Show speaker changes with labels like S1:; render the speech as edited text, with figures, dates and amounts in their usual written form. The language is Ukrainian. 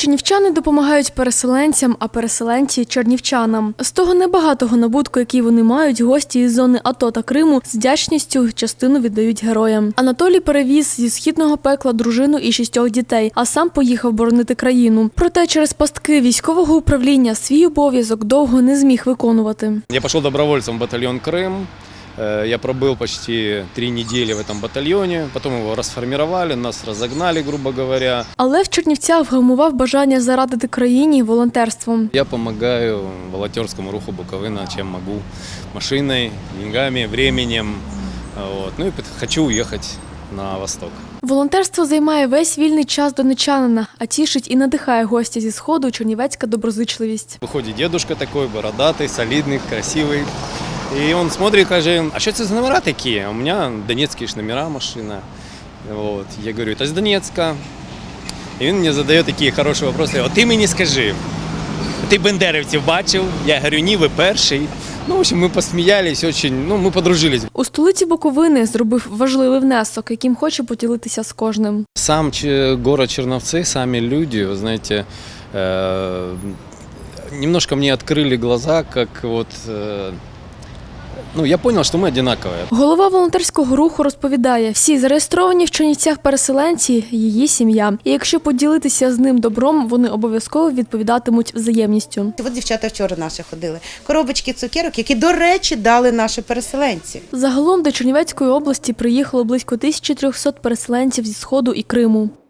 S1: Чернівчани допомагають переселенцям, а переселенці – чернівчанам. З того небагатого набутку, який вони мають, гості із зони АТО та Криму з вдячністю частину віддають героям. Анатолій перевіз зі східного пекла дружину і 6 дітей, а сам поїхав боронити країну. Проте через пастки військового управління свій обов'язок довго не зміг виконувати.
S2: Я пішов добровольцем в батальйон «Крим». Я пробыл почти 3 недели в этом батальоне, потом его расформировали, нас разогнали, грубо говоря.
S1: Але в Чернівцях вгамував бажання зарадити країні волонтерством.
S2: Я помогаю волонтерскому руху Буковина, чем могу. Машиной, деньгами, временем. Вот. Ну и хочу уехать на восток.
S1: Волонтерство займає весь вільний час донечанина, а тішить і надихає гостя зі Сходу чернівецька доброзичливість.
S2: Виходить дедушка такой, бородатый, солидный, красивый. И он смотрит, каже, а что это за номера такие? У меня донецкие номера машина. Вот. Я говорю, это из Донецка. И он мне задает такие хорошие вопросы. Вот ты мені скажи, ти бендерівців бачив? Я говорю, ні, ви перший. Ну, в общем, ми посміялись, ми подружились.
S1: У столиці Буковини зробив важливий внесок, яким хоче поділитися з кожним.
S2: Сам город Черновцы, сами люди, вы знаете, немножко мне открыли глаза, как вот... я зрозумів, що ми однакові.
S1: Голова волонтерського руху розповідає, всі зареєстровані в Чернівцях переселенці – її сім'я. І якщо поділитися з ним добром, вони обов'язково відповідатимуть взаємністю.
S3: От дівчата вчора наші ходили. Коробочки цукерок, які, до речі, дали наші переселенці.
S1: Загалом до Чернівецької області приїхало близько 1300 переселенців зі Сходу і Криму.